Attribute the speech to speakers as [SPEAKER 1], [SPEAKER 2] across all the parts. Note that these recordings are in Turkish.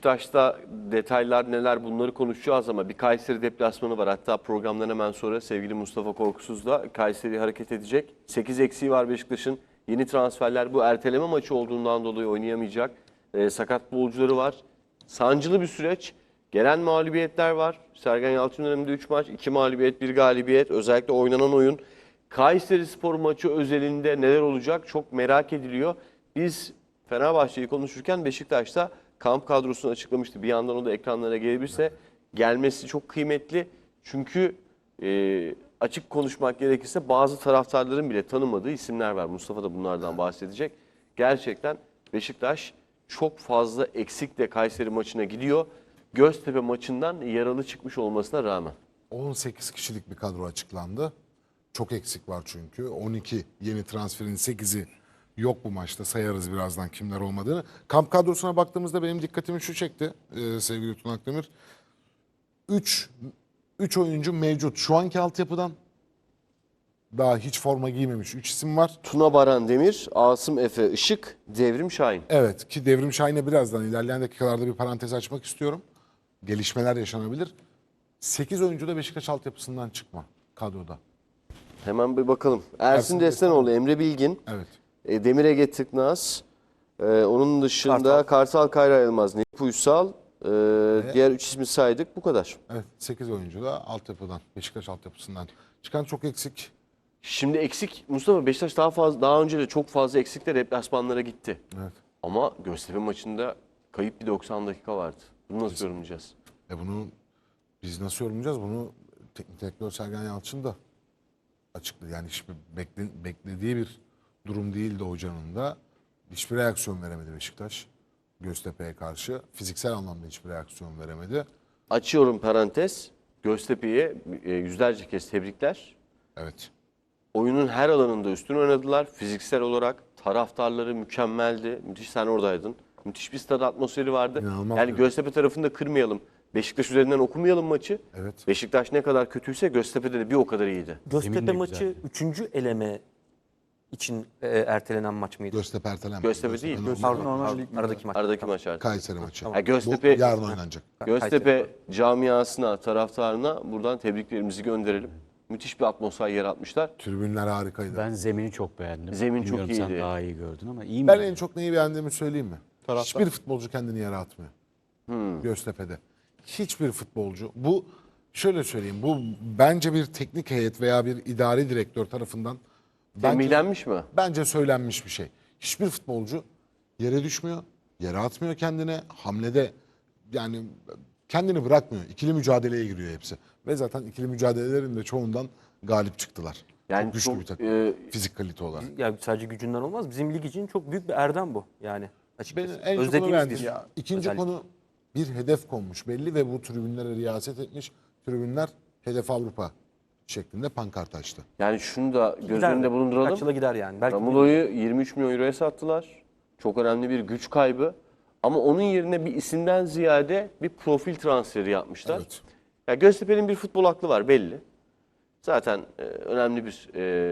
[SPEAKER 1] Beşiktaş'ta detaylar neler bunları konuşacağız ama bir Kayseri deplasmanı var. Hatta programdan hemen sonra sevgili Mustafa Korkusuz da Kayseri hareket edecek. 8 eksiği var Beşiktaş'ın. Yeni transferler bu erteleme maçı olduğundan dolayı oynayamayacak. Sakat futbolcuları var. Sancılı bir süreç. Gelen mağlubiyetler var. Sergen Yalçın döneminde 3 maç, 2 mağlubiyet, 1 galibiyet. Özellikle oynanan oyun. Kayserispor maçı özelinde neler olacak çok merak ediliyor. Biz Fenerbahçe'yi konuşurken Beşiktaş'ta kamp kadrosunu açıklamıştı. Bir yandan o da ekranlara gelebilirse gelmesi çok kıymetli. Çünkü açık konuşmak gerekirse bazı taraftarların bile tanımadığı isimler var. Mustafa da bunlardan bahsedecek. Gerçekten Beşiktaş çok fazla eksikle Kayseri maçına gidiyor. Göztepe maçından yaralı çıkmış olmasına rağmen.
[SPEAKER 2] 18 kişilik bir kadro açıklandı. Çok eksik var çünkü. 12 yeni transferin 8'i yok bu maçta. Sayarız birazdan kimler olmadığını. Kamp kadrosuna baktığımızda benim dikkatimi şu çekti sevgili Tuna Akdemir. 3 oyuncu mevcut. Şu anki altyapıdan daha hiç forma giymemiş 3 isim var.
[SPEAKER 1] Tuna Baran Demir, Asım Efe Işık, Devrim Şahin.
[SPEAKER 2] Evet ki Devrim Şahin'e birazdan ilerleyen dakikalarda bir parantez açmak istiyorum. Gelişmeler yaşanabilir. 8 oyuncu da Beşiktaş altyapısından çıkma kadroda.
[SPEAKER 1] Hemen bir bakalım. Ersin Destanoğlu, Emre Bilgin,
[SPEAKER 2] Evet.
[SPEAKER 1] Demir Ege Tıknaz, onun dışında Kartal Kayra Yılmaz, Necip Uysal, diğer 3 ismi saydık bu kadar.
[SPEAKER 2] Evet 8 oyuncu da altyapıdan, Beşiktaş altyapısından çıkan çok eksik.
[SPEAKER 1] Şimdi eksik Mustafa Beşiktaş daha önce de çok fazla eksikle deplasmanlara gitti.
[SPEAKER 2] Evet.
[SPEAKER 1] Ama Göztepe maçında kayıp bir 90 dakika vardı. Bunu nasıl yorumlayacağız?
[SPEAKER 2] Bunu biz nasıl yorumlayacağız? Bunu teknik direktör Sergen Yalçın da açıkladı. Yani hiçbir beklediği bir durum değildi hocanın da. Hiçbir reaksiyon veremedi Beşiktaş. Göztepe'ye karşı. Fiziksel anlamda hiçbir reaksiyon veremedi.
[SPEAKER 1] Açıyorum parantez. Göztepe'ye yüzlerce kez tebrikler.
[SPEAKER 2] Evet.
[SPEAKER 1] Oyunun her alanında üstün oynadılar. Fiziksel olarak taraftarları mükemmeldi. Müthiş, sen oradaydın. Müthiş bir stad atmosferi vardı.
[SPEAKER 2] İnanılmaz
[SPEAKER 1] Yani
[SPEAKER 2] bir-
[SPEAKER 1] Göztepe tarafını da kırmayalım. Beşiktaş üzerinden okumayalım maçı.
[SPEAKER 2] Evet.
[SPEAKER 1] Beşiktaş ne kadar kötüyse Göztepe'de de bir o kadar iyiydi.
[SPEAKER 3] Göztepe maçı 3. eleme için ertelenen maç mıydı?
[SPEAKER 2] Göztepe ertelenmedi.
[SPEAKER 1] Göztepe değil.
[SPEAKER 3] Pardon,
[SPEAKER 4] Normal lig
[SPEAKER 3] aradaki maç.
[SPEAKER 1] Aradaki maç artık.
[SPEAKER 2] Kayseri maçı.
[SPEAKER 1] Ha, Göztepe,
[SPEAKER 2] Bu yarın oynanacak.
[SPEAKER 1] Göztepe camiasına, taraftarına buradan tebriklerimizi gönderelim. Müthiş bir atmosfer yaratmışlar.
[SPEAKER 2] Tribünler harikaydı.
[SPEAKER 4] Ben zemini çok beğendim.
[SPEAKER 1] Zemin çok
[SPEAKER 4] Bilmiyorum, sen
[SPEAKER 1] iyiydi.
[SPEAKER 4] daha iyi gördün ama iyi mi?
[SPEAKER 2] Ben en çok neyi beğendiğimi söyleyeyim mi? Hiçbir futbolcu kendini yere atmıyor. Göztepe'de. Hiçbir futbolcu. Bu şöyle söyleyeyim. Bu bence bir teknik heyet veya bir idari direktör tarafından
[SPEAKER 1] Tembihlenmiş mi?
[SPEAKER 2] bence söylenmiş bir şey. Hiçbir futbolcu yere düşmüyor. Yere atmıyor kendine. Hamlede yani kendini bırakmıyor. İkili mücadeleye giriyor hepsi. Ve zaten ikili mücadelelerin de çoğundan galip çıktılar.
[SPEAKER 1] Yani
[SPEAKER 2] çok güçlü
[SPEAKER 1] çok,
[SPEAKER 2] bir takım. Fizik kalite olarak.
[SPEAKER 3] Ya sadece gücünden olmaz. Bizim lig için çok büyük bir erdem bu yani.
[SPEAKER 2] Ben
[SPEAKER 3] Açıkçası.
[SPEAKER 2] en çok onu
[SPEAKER 3] Özlediğimiz
[SPEAKER 2] beğendim.
[SPEAKER 3] bir
[SPEAKER 2] İkinci
[SPEAKER 3] özellik.
[SPEAKER 2] konu bir hedef konmuş belli ve bu tribünlere riyaset etmiş. Tribünler hedef Avrupa şeklinde pankart açtı.
[SPEAKER 1] Yani şunu da göz
[SPEAKER 3] Gider
[SPEAKER 1] önünde
[SPEAKER 3] mi?
[SPEAKER 1] bulunduralım.
[SPEAKER 3] Kaç yıla gider yani. Belki
[SPEAKER 1] Ramulo'yu 23 milyon euroya sattılar. Çok önemli bir güç kaybı. Ama onun yerine bir isimden ziyade bir profil transferi yapmışlar.
[SPEAKER 2] Evet.
[SPEAKER 1] Ya Göztepe'nin bir futbol aklı var belli. Zaten önemli bir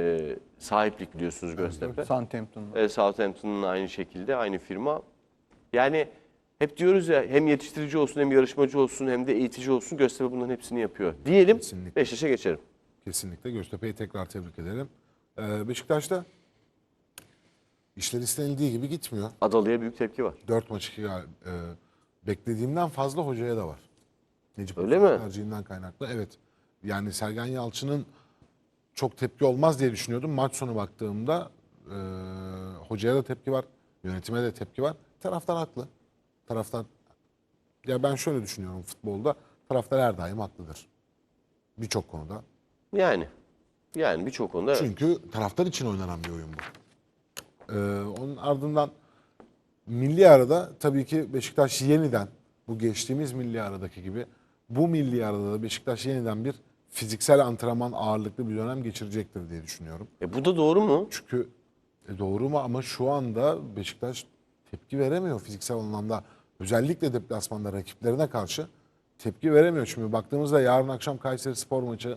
[SPEAKER 1] sahiplik biliyorsunuz Göztepe.
[SPEAKER 4] Southampton'da.
[SPEAKER 1] Southampton'ın aynı şekilde aynı firma. Yani hep diyoruz ya hem yetiştirici olsun hem yarışmacı olsun hem de eğitici olsun Göztepe bunların hepsini yapıyor. Diyelim
[SPEAKER 2] Kesinlikle.
[SPEAKER 1] Beşiktaş'a geçelim.
[SPEAKER 2] Kesinlikle Göztepe'yi tekrar tebrik ederim. Beşiktaş'ta işler istenildiği gibi gitmiyor.
[SPEAKER 1] Adalı'ya büyük tepki var.
[SPEAKER 2] 4 maç beklediğimden fazla hocaya da var. Necip
[SPEAKER 1] Öyle
[SPEAKER 2] Uysal
[SPEAKER 1] mi?
[SPEAKER 2] tercihinden kaynaklı. Evet. Yani Sergen Yalçın'ın çok tepki olmaz diye düşünüyordum. Maç sonu baktığımda hocaya da tepki var. Yönetime de tepki var. Taraftar haklı. Taraftar, ya ben şöyle düşünüyorum futbolda. Taraftar her daim haklıdır. Birçok konuda.
[SPEAKER 1] Yani birçok konuda evet.
[SPEAKER 2] Çünkü taraftar için oynanan bir oyun bu. Onun ardından milli arada tabii ki Beşiktaş yeniden bu geçtiğimiz milli aradaki gibi bu milli arada da Beşiktaş yeniden bir fiziksel antrenman ağırlıklı bir dönem geçirecektir diye düşünüyorum.
[SPEAKER 1] Bu da doğru mu?
[SPEAKER 2] Çünkü doğru mu ama şu anda Beşiktaş tepki veremiyor fiziksel anlamda. Özellikle deplasmanda rakiplerine karşı tepki veremiyor. Şimdi baktığımızda yarın akşam Kayserispor maçı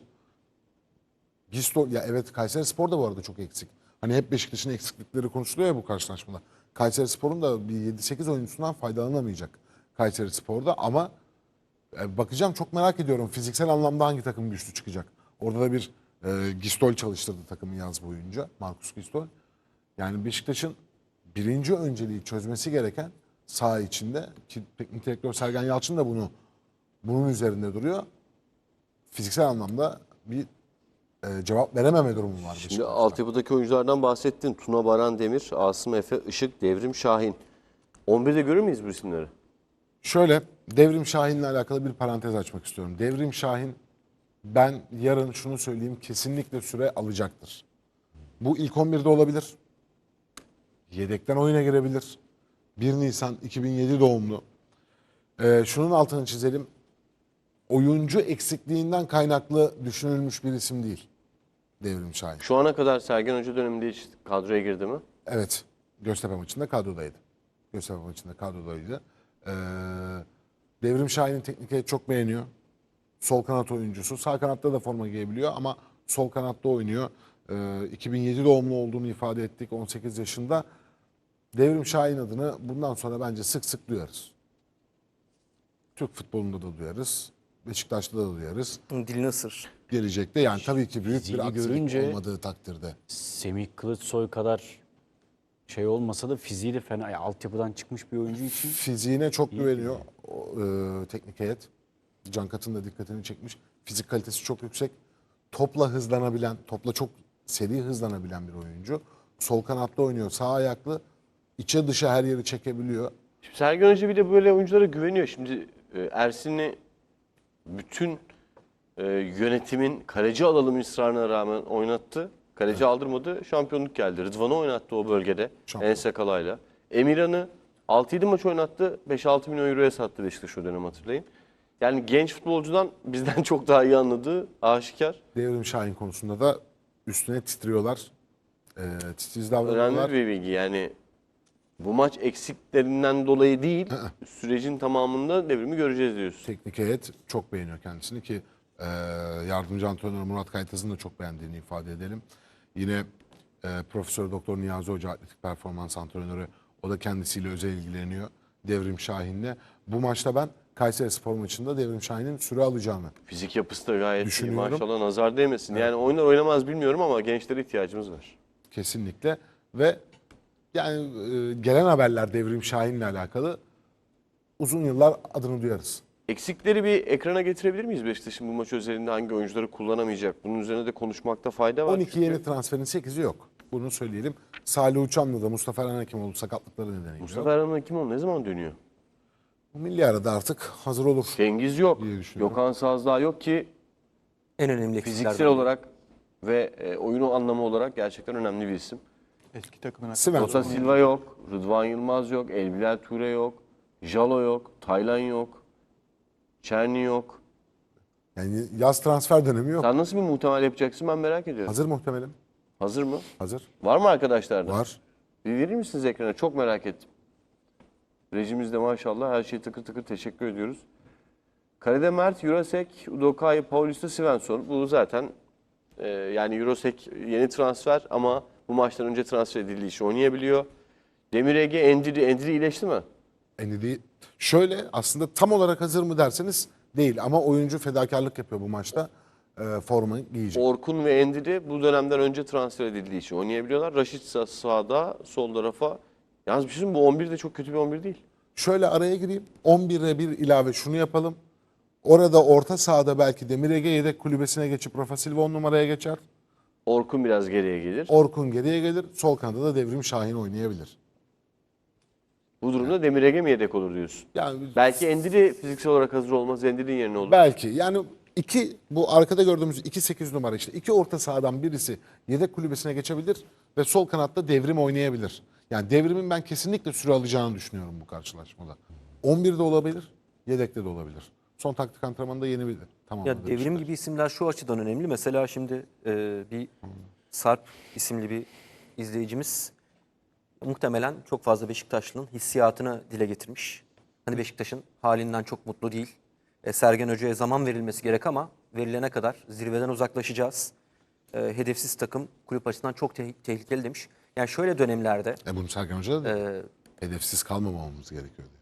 [SPEAKER 2] ya evet Kayserispor da bu arada çok eksik. Hani hep Beşiktaş'ın eksiklikleri konuşuluyor ya bu karşılaşmada. Kayserispor'un da bir 7-8 oyuncusundan faydalanamayacak. Kayserispor'da ama bakacağım, çok merak ediyorum fiziksel anlamda hangi takım güçlü çıkacak. Orada da bir Gistol çalıştırdı takımı yaz boyunca, Markus Gistol. Yani Beşiktaş'ın birinci önceliği çözmesi gereken saha içinde, ki teknik direktör Sergen Yalçın da bunun üzerinde duruyor. Fiziksel anlamda bir cevap verememe durumu var
[SPEAKER 1] Şimdi
[SPEAKER 2] Beşiktaş'ta.
[SPEAKER 1] altyapıdaki oyunculardan bahsettin. Tuna Baran Demir, Asım Efe, Işık, Devrim Şahin. 11'de görür müyüz bu isimleri?
[SPEAKER 2] Şöyle, Devrim Şahin'le alakalı bir parantez açmak istiyorum. Devrim Şahin, ben yarın şunu söyleyeyim, kesinlikle süre alacaktır. Bu ilk 11'de olabilir. Yedekten oyuna girebilir. 1 Nisan 2007 doğumlu. Şunun altını çizelim. Oyuncu eksikliğinden kaynaklı düşünülmüş bir isim değil Devrim Şahin.
[SPEAKER 1] Şu ana kadar Sergen Hoca döneminde hiç kadroya girdi mi?
[SPEAKER 2] Evet, Göztepe maçında kadrodaydı. Göztepe maçında kadrodaydı. Devrim Şahin'i teknik heyet çok beğeniyor. Sol kanat oyuncusu. Sağ kanatta da forma giyebiliyor ama sol kanatta oynuyor. 2007 doğumlu olduğunu ifade ettik, 18 yaşında. Devrim Şahin adını bundan sonra bence sık sık duyarız. Türk futbolunda da duyarız. Beşiktaş'ta da duyarız.
[SPEAKER 3] Dilini ısır.
[SPEAKER 2] Gelecekte yani tabii ki büyük bir
[SPEAKER 4] Fiziği
[SPEAKER 2] aksilik
[SPEAKER 4] görünce-
[SPEAKER 2] olmadığı takdirde.
[SPEAKER 4] Semih Kılıçsoy kadar şey olmasa da fiziği de fena. Yani altyapıdan çıkmış bir oyuncu için
[SPEAKER 2] Fiziğine çok güveniyor teknik heyet. Can Kat'ın da dikkatini çekmiş. Fizik kalitesi çok yüksek. Topla hızlanabilen, topla çok seri hızlanabilen bir oyuncu. Sol kanatta oynuyor, sağ ayaklı. İçe dışa her yeri çekebiliyor.
[SPEAKER 1] Şimdi Sergen Hoca bir de böyle oyunculara güveniyor. Şimdi Ersin'i bütün yönetimin kaleci alalım ısrarına rağmen oynattı. Kaleci aldırmadı. Şampiyonluk geldi. Rıdvan'ı oynattı o bölgede.
[SPEAKER 2] Şampiyon.
[SPEAKER 1] Ensekalay'la. Emirhan'ı 6-7 maç oynattı. 5-6 milyon euroya sattı Beşiktaş o dönem, hatırlayın. Yani genç futbolcudan bizden çok daha iyi anladığı aşikar.
[SPEAKER 2] Devrim Şahin konusunda da üstüne titriyorlar. Titiz
[SPEAKER 1] Önemli
[SPEAKER 2] davranıyorlar.
[SPEAKER 1] bir bilgi. Yani bu maç eksiklerinden dolayı değil, sürecin tamamında Devrim'i göreceğiz diyorsun.
[SPEAKER 2] Teknik heyet çok beğeniyor kendisini ki yardımcı antrenör Murat Kaytaz'ın da çok beğendiğini ifade edelim. Yine Profesör Doktor Niyazi Hoca atletik performans antrenörü, o da kendisiyle özel ilgileniyor Devrim Şahin'le. Bu maçta ben Kayserispor maçında Devrim Şahin'in süre alacağını
[SPEAKER 1] Fizik yapısı da gayet iyi.
[SPEAKER 2] Düşünüyorum.
[SPEAKER 1] Maşallah, nazar değmesin. Yani oynar oynamaz bilmiyorum ama gençlere ihtiyacımız var.
[SPEAKER 2] kesinlikle ve yani gelen haberler Devrim Şahin'le alakalı uzun yıllar adını duyarız.
[SPEAKER 1] Eksikleri bir ekrana getirebilir miyiz Beşiktaş'ın bu maç özelinde hangi oyuncuları kullanamayacak? Bunun üzerine de konuşmakta fayda var.
[SPEAKER 2] 12 yeni transferin 8'i yok. Bunu söyleyelim. Salih Uçan'la da Mustafa Erhan Hekimoğlu sakatlıkları nedeniyle
[SPEAKER 1] Mustafa
[SPEAKER 2] yok.
[SPEAKER 1] Erhan Hekimoğlu ne zaman dönüyor?
[SPEAKER 2] Milli arada artık hazır olur.
[SPEAKER 1] Cengiz yok.
[SPEAKER 2] diye düşünüyorum.
[SPEAKER 1] Gökhan Sazdağ yok ki
[SPEAKER 3] En önemli
[SPEAKER 1] fiziksel
[SPEAKER 3] eksiklerden.
[SPEAKER 1] olarak ve oyunu anlamı olarak gerçekten önemli bir isim.
[SPEAKER 5] Eski takımına.
[SPEAKER 2] Svensson.
[SPEAKER 1] Jota Silva yok, Rıdvan Yılmaz yok, Elbilal Ture yok, Jalo yok, Taylan yok, Çerni yok.
[SPEAKER 2] Yani yaz transfer dönemi yok.
[SPEAKER 1] Sen nasıl bir muhtemel yapacaksın, ben merak ediyorum.
[SPEAKER 2] Hazır muhtemelim.
[SPEAKER 1] Hazır mı?
[SPEAKER 2] Hazır.
[SPEAKER 1] Var mı arkadaşlardan?
[SPEAKER 2] Var.
[SPEAKER 1] Bir verir misiniz ekrana? Çok merak ettim. Rejimizde maşallah her şey tıkır tıkır, teşekkür ediyoruz. Kalede Mert, Jurasek, Udokai, Paulista, Svensson. Bu zaten yani Jurasek yeni transfer ama bu maçtan önce transfer edildiği için oynayabiliyor. Demir Ege, Endiri iyileşti mi?
[SPEAKER 2] Endidi şöyle, aslında tam olarak hazır mı derseniz değil ama oyuncu fedakarlık yapıyor bu maçta. Forma giyecek.
[SPEAKER 1] Orkun ve Endiri bu dönemden önce transfer edildiği için oynayabiliyorlar. Raşit sağda, sol tarafa. Yalnız bir şey söyleyeyim, bu 11 de çok kötü bir 11 değil.
[SPEAKER 2] Şöyle araya gireyim. 11'e bir ilave şunu yapalım. Orada orta sahada belki Demir Ege yedek kulübesine geçip Rafa Silva 10 numaraya geçer.
[SPEAKER 1] Orkun biraz geriye gelir.
[SPEAKER 2] Orkun geriye gelir. Sol kanada da Devrim Şahin oynayabilir.
[SPEAKER 1] Bu durumda Demir Ege mi yedek olur diyorsun?
[SPEAKER 2] Yani
[SPEAKER 1] Belki Endiri fiziksel olarak hazır olmaz. Endiri'nin yerine olur.
[SPEAKER 2] belki yani bu arkada gördüğümüz 2-8 numara işte. İki orta sahadan birisi yedek kulübesine geçebilir ve sol kanatta Devrim oynayabilir. Yani Devrim'in ben kesinlikle süre alacağını düşünüyorum bu karşılaşmada. 11'de olabilir, yedekte de olabilir. Son taktik antrenmanında yeni bir tamamladı.
[SPEAKER 3] Ya Devrim
[SPEAKER 2] Beşiktaş.
[SPEAKER 3] gibi isimler şu açıdan önemli. Mesela şimdi bir Sarp isimli bir izleyicimiz muhtemelen çok fazla Beşiktaşlı'nın hissiyatını dile getirmiş. Hani Beşiktaş'ın halinden çok mutlu değil. Sergen Hoca'ya zaman verilmesi gerek ama verilene kadar zirveden uzaklaşacağız. Hedefsiz takım kulüp açısından çok tehlikeli demiş. Yani şöyle dönemlerde
[SPEAKER 2] Bunu Sergen Hoca da hedefsiz kalmamamız gerekiyor diye.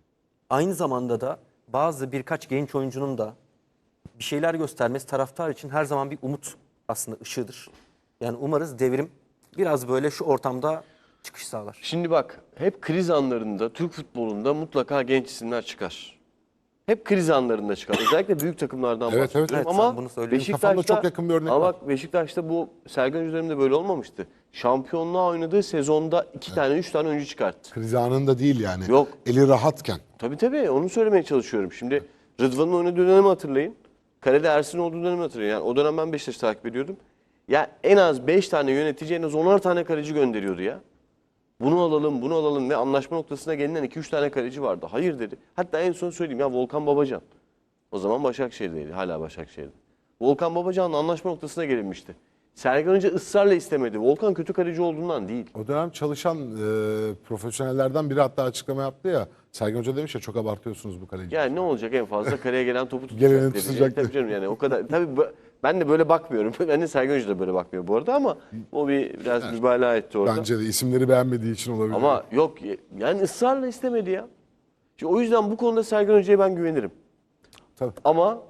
[SPEAKER 3] aynı zamanda da birkaç genç oyuncunun da bir şeyler göstermesi taraftar için her zaman bir umut aslında ışığıdır. Yani umarız Devrim biraz böyle şu ortamda çıkış sağlar.
[SPEAKER 1] Şimdi bak, hep kriz anlarında Türk futbolunda mutlaka genç isimler çıkar. Hep kriz anlarında çıkar. Özellikle büyük takımlardan
[SPEAKER 2] Evet,
[SPEAKER 1] bahsediyorum.
[SPEAKER 2] evet.
[SPEAKER 3] Evet, sen
[SPEAKER 1] Ama
[SPEAKER 3] bunu söylüyorsun.
[SPEAKER 2] Kafamda çok yakın bir örnek
[SPEAKER 1] ama
[SPEAKER 2] var.
[SPEAKER 1] bak, Beşiktaş'ta bu Sergen Hoca döneminde böyle olmamıştı. Şampiyonluğa oynadığı sezonda 2 tane 3 tane oyuncu çıkarttı.
[SPEAKER 2] Kriz anında değil yani.
[SPEAKER 1] Yok.
[SPEAKER 2] Eli rahatken.
[SPEAKER 1] Tabii onu söylemeye çalışıyorum. Şimdi Rıdvan'ın oynadığı dönemi hatırlayın. Kalede Ersin olduğu dönemi hatırlayın. Yani o dönem ben Beşiktaş'ı takip ediyordum. Ya en az 5 tane yönetici, en az 10'ar tane kaleci gönderiyordu ya. Bunu alalım ve anlaşma noktasına gelinen 2-3 tane kaleci vardı. Hayır dedi. Hatta en son söyleyeyim ya, Volkan Babacan. O zaman Başakşehir'deydi. Hala Başakşehir'de. Volkan Babacan'la anlaşma noktasına gelinmişti. Sergen Hoca ısrarla istemedi. Volkan kötü kaleci olduğundan değil.
[SPEAKER 2] O dönem çalışan profesyonellerden biri hatta açıklama yaptı ya. Sergen Hoca demiş ya, çok abartıyorsunuz bu kaleci.
[SPEAKER 1] Yani ne olacak, en fazla kaleye gelen topu tutacak.
[SPEAKER 2] Geleni
[SPEAKER 1] dedi.
[SPEAKER 2] tutacak.
[SPEAKER 1] Tabii canım, yani o kadar. Tabii ben de böyle bakmıyorum. Ben de Sergen Hoca da böyle bakmıyor bu arada, ama o biraz mübalağa etti orada.
[SPEAKER 2] Bence de isimleri beğenmediği için olabilir.
[SPEAKER 1] Ama yok, yani ısrarla istemedi ya. Şimdi o yüzden bu konuda Sergen Hoca'ya ben güvenirim.
[SPEAKER 2] Tabii.
[SPEAKER 1] Ama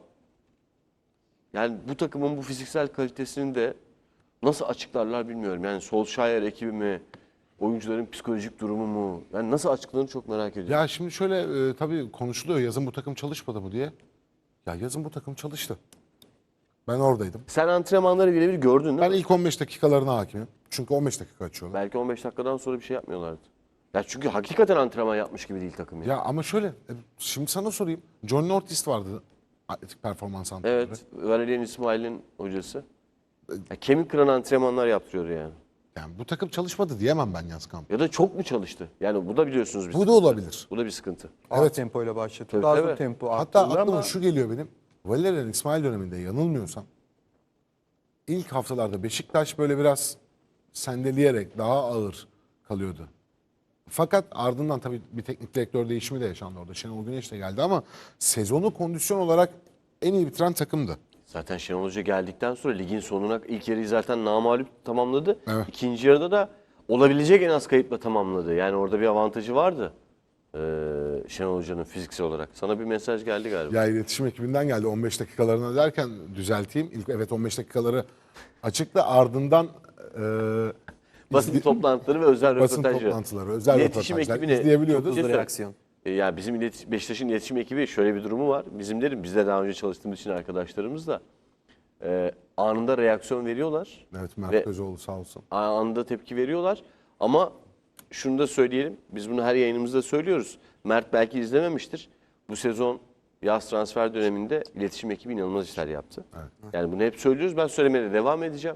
[SPEAKER 1] yani bu takımın bu fiziksel kalitesini de nasıl açıklarlar bilmiyorum. Yani Solskjaer ekibi mi, oyuncuların psikolojik durumu mu? Yani nasıl açıklanır çok merak ediyorum.
[SPEAKER 2] Ya şimdi şöyle tabii konuşuluyor, yazın bu takım çalışmadı mı diye. Ya yazın bu takım çalıştı. Ben oradaydım.
[SPEAKER 1] Sen antrenmanları birebir gördün değil
[SPEAKER 2] Ben
[SPEAKER 1] mi?
[SPEAKER 2] ilk 15 dakikalarına hakimim. Çünkü 15 dakika açıyorlar.
[SPEAKER 1] Belki 15 dakikadan sonra bir şey yapmıyorlardı. Ya çünkü hakikaten antrenman yapmış gibi değil takım ya.
[SPEAKER 2] Ya ama şöyle, şimdi sana sorayım. John Nortis vardı, atletik performans antrenörü.
[SPEAKER 1] Evet, Valerian İsmail'in hocası. Ya kemik kıran antrenmanlar yaptırıyor yani.
[SPEAKER 2] Yani bu takım çalışmadı diyemem ben yaz kampı.
[SPEAKER 1] Ya da çok mu çalıştı? Yani bu da biliyorsunuz bir
[SPEAKER 2] Bu da
[SPEAKER 1] sıkıntı.
[SPEAKER 2] olabilir.
[SPEAKER 1] Bu da bir sıkıntı.
[SPEAKER 5] Evet. Tempoyla başlatıyor. Daha
[SPEAKER 1] Tabii,
[SPEAKER 5] sonra
[SPEAKER 1] tabii.
[SPEAKER 5] tempo
[SPEAKER 2] Hatta
[SPEAKER 5] arttırılır
[SPEAKER 2] aklıma
[SPEAKER 5] ama
[SPEAKER 2] şu geliyor benim. Valerian İsmail döneminde yanılmıyorsam ilk haftalarda Beşiktaş böyle biraz sendeleyerek daha ağır kalıyordu. Fakat ardından tabii bir teknik direktör değişimi de yaşandı orada. Şenol Güneş de geldi ama sezonu kondisyon olarak en iyi bitiren takımdı.
[SPEAKER 1] Zaten Şenol Hoca geldikten sonra ligin sonuna ilk yarıyı zaten namağlup tamamladı.
[SPEAKER 2] Evet.
[SPEAKER 1] İkinci yarıda da olabilecek en az kayıpla tamamladı. Yani orada bir avantajı vardı Şenol Hoca'nın fiziksel olarak. Sana bir mesaj geldi galiba.
[SPEAKER 2] Ya iletişim ekibinden geldi 15 dakikalarına derken düzelteyim. İlk evet 15 dakikaları açıkta, ardından
[SPEAKER 1] Basın toplantıları ve özel
[SPEAKER 2] basın
[SPEAKER 1] röportajları.
[SPEAKER 2] toplantıları, özel
[SPEAKER 1] İletişim
[SPEAKER 2] röportajlar
[SPEAKER 1] ekibine
[SPEAKER 2] izleyebiliyorduk.
[SPEAKER 3] Hızlı
[SPEAKER 1] Kesin.
[SPEAKER 3] reaksiyon.
[SPEAKER 1] Yani bizim Beşiktaş'ın iletişim ekibi şöyle bir durumu var. Bizim derim, biz de daha önce çalıştığımız için arkadaşlarımız da anında reaksiyon veriyorlar.
[SPEAKER 2] Evet, Mert
[SPEAKER 1] Ve-
[SPEAKER 2] Özoğlu sağ olsun.
[SPEAKER 1] Anında tepki veriyorlar. Ama şunu da söyleyelim. Biz bunu her yayınımızda söylüyoruz. Mert belki izlememiştir. Bu sezon yaz transfer döneminde iletişim ekibi inanılmaz işler yaptı. Yani bunu hep söylüyoruz. Ben söylemeye de devam edeceğim.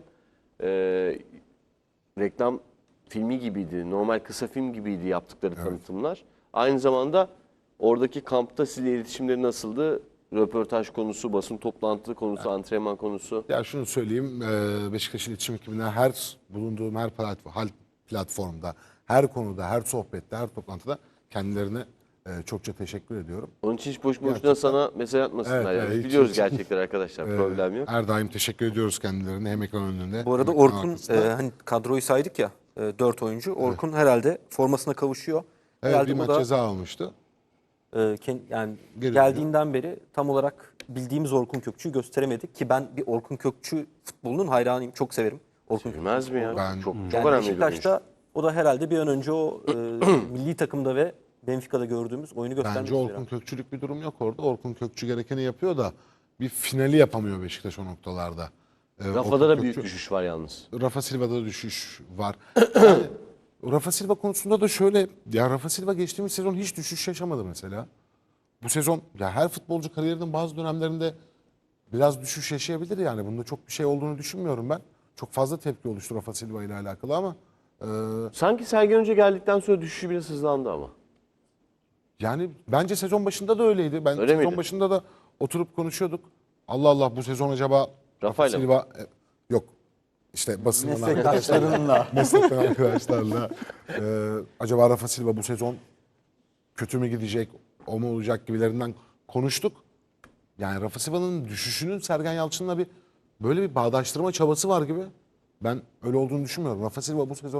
[SPEAKER 1] Reklam filmi gibiydi. Normal kısa film gibiydi yaptıkları tanıtımlar. Aynı zamanda oradaki kampta sizle iletişimleri nasıldı? Röportaj konusu, basın toplantı konusu, antrenman konusu.
[SPEAKER 2] Ya şunu söyleyeyim, Beşiktaş iletişim ekibine bulunduğum her platformda, her konuda, her sohbette, her toplantıda kendilerine çokça teşekkür ediyorum.
[SPEAKER 1] Onun için hiç boş boşuna
[SPEAKER 2] Gerçekten.
[SPEAKER 1] sana mesaj atmasınlar.
[SPEAKER 2] Evet,
[SPEAKER 1] yani.
[SPEAKER 2] evet,
[SPEAKER 1] Biz
[SPEAKER 2] hiç-
[SPEAKER 1] biliyoruz
[SPEAKER 2] hiç-
[SPEAKER 1] gerçekleri arkadaşlar. Problem yok.
[SPEAKER 2] Her daim teşekkür ediyoruz kendilerine, hem ekran önünde.
[SPEAKER 3] Bu arada
[SPEAKER 2] hem ekran
[SPEAKER 3] Orkun
[SPEAKER 2] arkasında.
[SPEAKER 3] hani kadroyu saydık ya 4 oyuncu. Orkun herhalde formasına kavuşuyor.
[SPEAKER 2] Evet,
[SPEAKER 3] Herhalde
[SPEAKER 2] bir
[SPEAKER 3] bu
[SPEAKER 2] maç
[SPEAKER 3] da
[SPEAKER 2] ceza almıştı.
[SPEAKER 3] yani
[SPEAKER 2] Geri
[SPEAKER 3] geldiğinden beri tam olarak bildiğimiz Orkun Kökçü'yü gösteremedik ki ben bir Orkun Kökçü futbolunun hayranıyım. Çok severim. Orkun Kökçü
[SPEAKER 1] Bilmez mi ya?
[SPEAKER 2] Ben-
[SPEAKER 1] Çok
[SPEAKER 3] Yani
[SPEAKER 1] önemli bir
[SPEAKER 3] Beşiktaş'ta o da herhalde bir an önce o milli takımda ve Benfica'da gördüğümüz oyunu göstermek
[SPEAKER 2] Bence
[SPEAKER 3] istiyor.
[SPEAKER 2] Orkun Kökçülük bir durum yok orada. Orkun Kökçü gerekeni yapıyor da bir finali yapamıyor Beşiktaş o noktalarda.
[SPEAKER 1] Rafa'da da
[SPEAKER 2] Orkun
[SPEAKER 1] büyük
[SPEAKER 2] Kökçü-
[SPEAKER 1] düşüş var yalnız.
[SPEAKER 2] Rafa Silva'da da düşüş var. Yani, Rafa Silva konusunda da şöyle, ya Rafa Silva geçtiğimiz sezon hiç düşüş yaşamadı mesela. Bu sezon ya her futbolcu kariyerinin bazı dönemlerinde biraz düşüş yaşayabilir yani. Bunda çok bir şey olduğunu düşünmüyorum ben. Çok fazla tepki oluştu Rafa Silva ile alakalı ama
[SPEAKER 1] Sanki Sergen Hoca geldikten sonra düşüşü biraz hızlandı ama.
[SPEAKER 2] yani bence sezon başında da öyleydi. Ben
[SPEAKER 1] Öyle
[SPEAKER 2] sezon
[SPEAKER 1] miydi?
[SPEAKER 2] başında da oturup konuşuyorduk. Allah Allah, bu sezon acaba Rafa
[SPEAKER 1] Rafa'yla mı?
[SPEAKER 2] Silva yok. İşte basından
[SPEAKER 5] meslektaşlarınla
[SPEAKER 2] meslekten arkadaşlarla acaba Rafa Silva bu sezon kötü mü gidecek, o mu olacak gibilerinden konuştuk. Yani Rafa Silva'nın düşüşünün Sergen Yalçın'la böyle bir bağdaştırma çabası var gibi. Ben öyle olduğunu düşünmüyorum. Rafa Silva bu sezona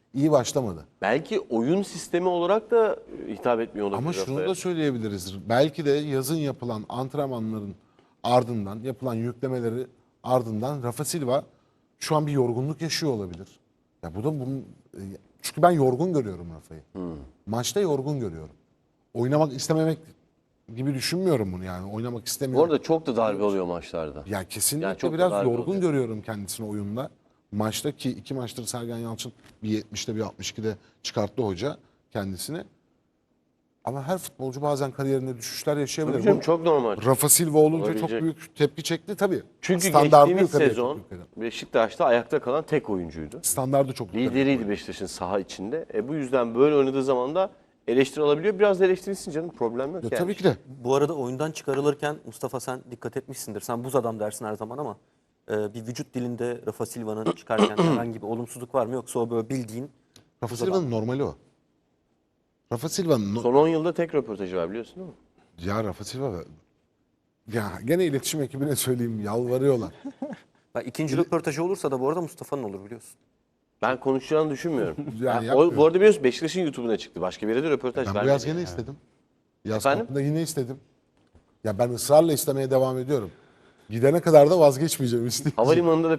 [SPEAKER 2] iyi başlamadı.
[SPEAKER 1] Belki oyun sistemi olarak da hitap etmiyor olabilir.
[SPEAKER 2] Ama şunu
[SPEAKER 1] Rafa'ya.
[SPEAKER 2] da söyleyebiliriz. Belki de yazın yapılan antrenmanların ardından, yapılan yüklemeleri ardından Rafa Silva şu an bir yorgunluk yaşıyor olabilir. Ya bu da bunun çünkü ben yorgun görüyorum Rafa'yı. Maçta yorgun görüyorum. Oynamak istememek gibi düşünmüyorum bunu yani. Oynamak
[SPEAKER 1] Bu
[SPEAKER 2] istemiyorum.
[SPEAKER 1] arada çok da darbe oluyor maçlarda.
[SPEAKER 2] Ya kesinlikle
[SPEAKER 1] Yani çok da
[SPEAKER 2] biraz
[SPEAKER 1] darbe
[SPEAKER 2] yorgun
[SPEAKER 1] oluyor.
[SPEAKER 2] görüyorum kendisini oyunda. Maçta ki 2 maçtır Sergen Yalçın bir 70'te bir 62'de çıkarttı hoca kendisini. Ama her futbolcu bazen kariyerinde düşüşler yaşayabilir.
[SPEAKER 1] Tabii canım,
[SPEAKER 2] Bu
[SPEAKER 1] çok normal.
[SPEAKER 2] Rafa Silva olunca çok
[SPEAKER 1] Olabilecek.
[SPEAKER 2] büyük tepki çekti tabii.
[SPEAKER 1] Çünkü
[SPEAKER 2] Standardı
[SPEAKER 1] geçtiğimiz
[SPEAKER 2] yukarıya
[SPEAKER 1] sezon
[SPEAKER 2] çok yukarı.
[SPEAKER 1] Beşiktaş'ta ayakta kalan tek oyuncuydu.
[SPEAKER 2] Standardı çok yukarı.
[SPEAKER 1] Lideriydi Beşiktaş'ın saha içinde. Bu yüzden böyle oynadığı zaman da eleştiri alabiliyor. Biraz da eleştirilsin canım, problem yok
[SPEAKER 2] Ya
[SPEAKER 1] yani.
[SPEAKER 2] tabii ki de.
[SPEAKER 3] Bu arada oyundan çıkarılırken Mustafa sen dikkat etmişsindir. Sen buz adam dersin her zaman ama bir vücut dilinde Rafa Silva'nın çıkarken herhangi bir olumsuzluk var mı yoksa o böyle bildiğin
[SPEAKER 2] Rafa
[SPEAKER 3] buz adam.
[SPEAKER 2] Silva'nın normali o. Rafa Silva'nın
[SPEAKER 1] Son 10 yılda tek röportajı var, biliyorsun değil mi?
[SPEAKER 2] ya Rafa Silva ya gene iletişim ekibine söyleyeyim yalvarıyorlar.
[SPEAKER 3] İkinci röportajı olursa da bu arada Mustafa'nın olur biliyorsun.
[SPEAKER 1] Ben konuşacağını düşünmüyorum.
[SPEAKER 2] Yani
[SPEAKER 1] O, bu
[SPEAKER 2] yapmıyor.
[SPEAKER 1] arada biliyorsun Beşiktaş'ın YouTube'una çıktı. Başka bir yere de röportaj
[SPEAKER 2] Ben bu
[SPEAKER 1] vermedi.
[SPEAKER 2] yaz gene istedim. Yaz
[SPEAKER 1] Efendim?
[SPEAKER 2] kampında yine istedim. Ya ben ısrarla istemeye devam ediyorum. Gidene kadar da vazgeçmeyeceğim. isteyeceğim.
[SPEAKER 1] Havalimanında da